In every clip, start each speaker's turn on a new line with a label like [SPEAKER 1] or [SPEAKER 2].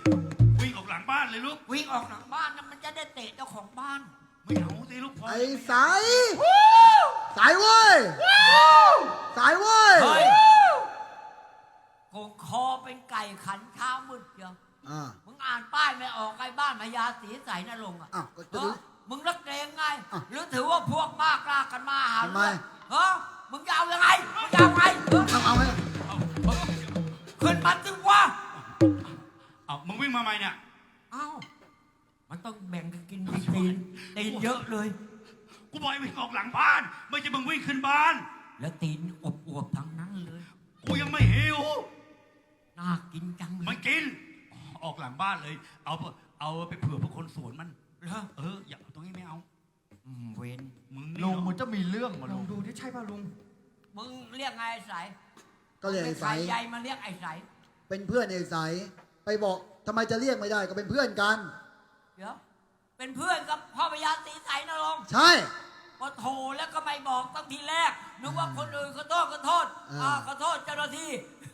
[SPEAKER 1] วิ่งออกหลังบ้านเลยลูก
[SPEAKER 2] วิ่งออกหลังบ้านนะมันจะได้เตะเจ้าของบ้าน
[SPEAKER 1] ไม่เอาสิลูกพ่อ
[SPEAKER 3] ไอ้สายสายเว้ยสายเว้ย
[SPEAKER 2] เฮ้ยโกงคอเป็นไก่ขันเช้ามืดเดียว
[SPEAKER 3] อ่า
[SPEAKER 2] มึงอ่านป้ายไม่ออกไอ้บ้านพญาศรีใสนรงค์อ่ะ
[SPEAKER 3] อ้าวก็จะ
[SPEAKER 2] เอ
[SPEAKER 3] ดู
[SPEAKER 2] อมึงรักเรงไง
[SPEAKER 3] อ้าว
[SPEAKER 2] หรือถือว่าพวกบ้ากล้ากันมาหา
[SPEAKER 3] ทำไม
[SPEAKER 2] เฮ้มึงจะเอายังไงมึงจะเอาไงเออ
[SPEAKER 3] เอาให้
[SPEAKER 2] ขึ้นมาสิวะ
[SPEAKER 1] เอามึงวิ่งมาใหม่เนี่ย
[SPEAKER 2] เอ้ามันต้องแบ่งกันกินตีนเยอะเลย
[SPEAKER 1] กูบอกให้วิ่งออกหลังบ้าน ไม่ใช่มึงวิ่งขึ้นบ้าน
[SPEAKER 2] แล้วตีนอวบๆทั้งนั้นเลย
[SPEAKER 1] กูยังไม่หิว
[SPEAKER 2] น่ากินจังเล
[SPEAKER 1] มั
[SPEAKER 2] ย
[SPEAKER 1] นกิน ออกหลังบ้านเลย เอาไปเผื่อพวกคนสวนมัน
[SPEAKER 2] เหรอ
[SPEAKER 1] อย่าตรงนี้ไม่เอา
[SPEAKER 2] เวน
[SPEAKER 1] มึง
[SPEAKER 4] ลุ
[SPEAKER 1] นี่
[SPEAKER 4] งมัน
[SPEAKER 1] เนาะ
[SPEAKER 4] จะมีเรื่องมา
[SPEAKER 5] ล
[SPEAKER 4] ลุ
[SPEAKER 5] อง
[SPEAKER 4] ง
[SPEAKER 5] ดูที่ใช่ป่ะลุง
[SPEAKER 2] มึงเรียกไงไอ้ใส
[SPEAKER 3] ก็เรียกไอ้
[SPEAKER 2] ไอ้
[SPEAKER 3] สาย
[SPEAKER 2] ใหญ่มาเรียกไอ้ใส
[SPEAKER 3] เป็นเพื่อนไอ้สายไปบอกทำไมจะเรียกไม่ได้ก็เป็นเพื่อนกัน
[SPEAKER 2] เดี๋ยวเป็นเพื่อนกับพ่อพญาศรีใสนรงค์
[SPEAKER 3] ใช่
[SPEAKER 2] พอโทรแล้วก็ไม่บอกตั้งทีแรกนึกว่าคนอื่นขอโทษขอโทษขอโทษเจ้าหน้าที่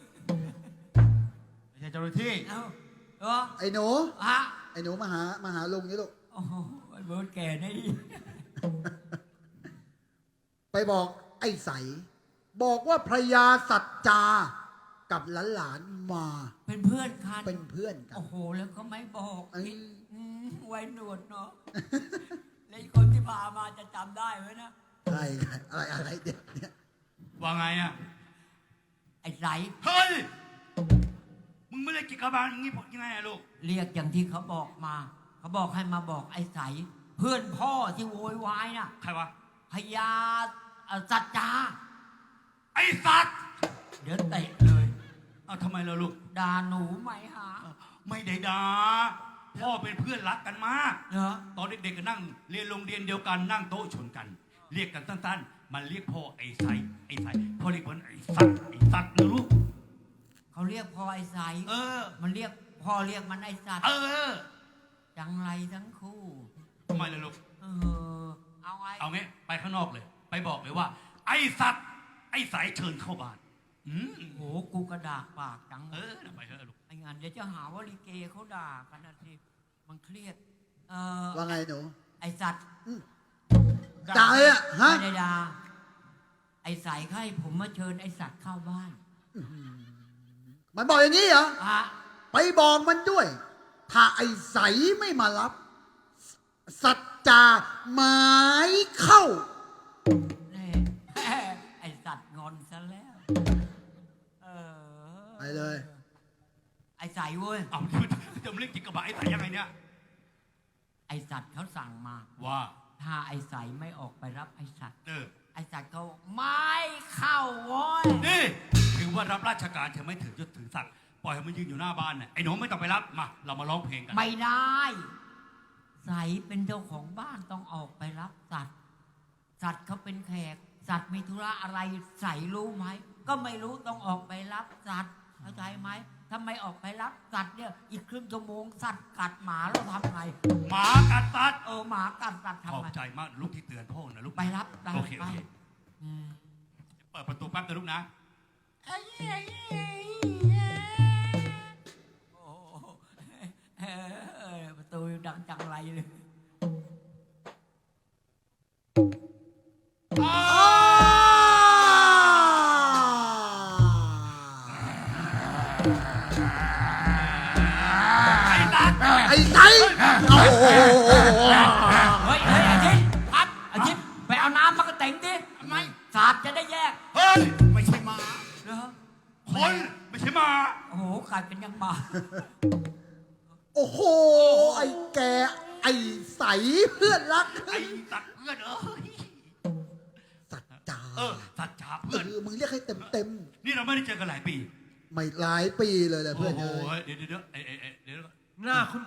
[SPEAKER 4] ไม่ใช่เจ้าหน้าที่
[SPEAKER 2] เอ้าเหรอ
[SPEAKER 3] ไอ้หนู
[SPEAKER 2] ฮะ
[SPEAKER 3] ไอ้หนูมาหาลุงนี่ลูก
[SPEAKER 2] โอ้โหไอ้เบิร์ดแก่นี่
[SPEAKER 3] ไปบอกไอ้ใสบอกว่าพระยาสัจจากับหลานๆมา
[SPEAKER 2] เป็นเพื่อนกัน
[SPEAKER 3] เป็นเพื่อนกัน
[SPEAKER 2] โอ้โหแล้วก็ไม่บอก
[SPEAKER 3] เอ้ย
[SPEAKER 2] ไว้หนวดเนาะแล้วไอ้คนที่พามาจะจำได้ไหมนะ
[SPEAKER 3] อะไรเดี๋ยวเนี่ย
[SPEAKER 1] ว่าไงอ่ะ
[SPEAKER 2] ไอ้ใส
[SPEAKER 1] เฮ้ย มึงไม่ได้กิจกรรมอย่างงี้ยังไงอะลูก
[SPEAKER 2] เรียกอย่างที่เขาบอกมา เขาบอกให้มาบอกไอ้ใสเพื่อนพ่อที่โวยวายน่ะ
[SPEAKER 1] ใครวะ
[SPEAKER 2] พญาสัจจา
[SPEAKER 1] ไอ้สัตว์
[SPEAKER 2] เดี๋ยวเตะเลย
[SPEAKER 1] เอาทำไมล่ะลูก
[SPEAKER 2] ด่าหนูไหมหา
[SPEAKER 1] ไม่ได้ด่าพ่อเป็นเพื่อนรักกันมาก
[SPEAKER 2] เหรอ
[SPEAKER 1] ตอนเด็กๆก็นั่งเรียนโรงเรียนเดียวกันนั่งโต๊ะชนกัน เรียกกันสั้นๆ มันเรียกพ่อไอ้ไสพ่อเรียกมันไอ้สัตว์นะลูก
[SPEAKER 2] เขาเรียกพ่อไอ้ใส
[SPEAKER 1] เออ
[SPEAKER 2] มันเรียกพ่อเรียกมันไอ้สัตว์
[SPEAKER 1] เออ
[SPEAKER 2] จังไรทั้งคู่
[SPEAKER 1] ทำไมล่ะลูก
[SPEAKER 2] เออ เอาไง
[SPEAKER 1] เอางี้ไปข้างนอกเลย ไปบอกเลยว่า ไอ้สัตว์ไอ้สายเชิญเข้าบ้าน
[SPEAKER 2] โหกูกระดากปากจัง
[SPEAKER 1] ไปเถอะลูก
[SPEAKER 2] ไอ้งานเดี๋ยวจะหาว่าลิเกเขาด่ากันนะสิมันเครียด
[SPEAKER 3] ว่าไงหนู
[SPEAKER 2] ไอ้สัตว์
[SPEAKER 3] จ่ายอะฮะ
[SPEAKER 2] ไม่ได้ด่าไอ้ใสเขาให้ผมมาเชิญไอ้สัตว์เข้าบ้าน
[SPEAKER 3] มันบอกอย่างนี้เหรอ
[SPEAKER 2] อ่ะ
[SPEAKER 3] ไปบอกมันด้วย ถ้าไอ้ใสไม่มารับ สัจจาหมายเข้า
[SPEAKER 2] นี่ ไอ้สัตว์งอนซะแล้ว เออ
[SPEAKER 3] ไปเลย
[SPEAKER 2] ไอ้ใสเว้ย
[SPEAKER 1] เอาจะมาเรียกกิจกรรมไอ้สายยังไงเนี่ย
[SPEAKER 2] ไอ้สัตว์เขาสั่งมา
[SPEAKER 1] ว่า
[SPEAKER 2] ถ้าไอ้ใสไม่ออกไปรับไอ้สัตว์
[SPEAKER 1] เออ
[SPEAKER 2] ไอ้สัตว์เขาไม่เข้าโว้ย
[SPEAKER 1] นี่ถือว่ารับราชการเธอไม่ถือยศถือศักดิ์ปล่อยให้มันยืนอยู่หน้าบ้านน่ะไอ้หนูไม่ต้องไปรับมาเรามาร้องเพลงกัน
[SPEAKER 2] ไม่ได้ ใสเป็นเจ้าของบ้านต้องออกไปรับสัตว์ สัตว์เขาเป็นแขก สัตว์มีธุระอะไรใสรู้ไหม ก็ไม่รู้ต้องออกไปรับสัตว์เข้าใจไหมถ้าไม่ออกไปรับสัตว์เนี่ยอีกครึ่งชั่วโมงสัตว์กัดหมาแล้วทำไง
[SPEAKER 1] หมากัดสัตว์
[SPEAKER 2] หมากัดสัตว์
[SPEAKER 1] ขอบ
[SPEAKER 2] ทำไง
[SPEAKER 1] ใจมากลูกที่เตือนพ่อนะลูก
[SPEAKER 2] ไปรับได้
[SPEAKER 1] โอเค
[SPEAKER 2] ไป
[SPEAKER 1] อืมเปิดประตูแป๊บนะลูกนะ
[SPEAKER 2] โอ้โหประตูดังจังไรเลย
[SPEAKER 3] ไอ้ใสโอ้โห
[SPEAKER 2] เฮ้ยไอ้ชิดครับไอ้ชิดไปเอาน้ำมากระเต็งดิทำไมสาดจะได้แยก
[SPEAKER 1] เฮ้ยไม่ใช่หมา
[SPEAKER 2] เหรอ
[SPEAKER 1] คนไม่ใช่หมา
[SPEAKER 2] โอ้โหกลายเป็นยังหมา
[SPEAKER 3] โอ้โห ไอ้แก ไอ้ใสเพื่อนรัก
[SPEAKER 1] ไอ้สัตว์เพื่อนเอ้ย
[SPEAKER 3] สัจจา
[SPEAKER 1] สัตว์จ๋าเพื่อน
[SPEAKER 3] มึงเรียกให้เต็ม
[SPEAKER 1] นี่เราไม่ได้เจอกันหลายปี
[SPEAKER 3] ไม่หลายปีเลยแหละเพื่อน
[SPEAKER 1] โอ้
[SPEAKER 3] เอ้
[SPEAKER 1] โห
[SPEAKER 3] ย
[SPEAKER 1] เดี๋ยวเดี๋ยว
[SPEAKER 4] หน้าคุณ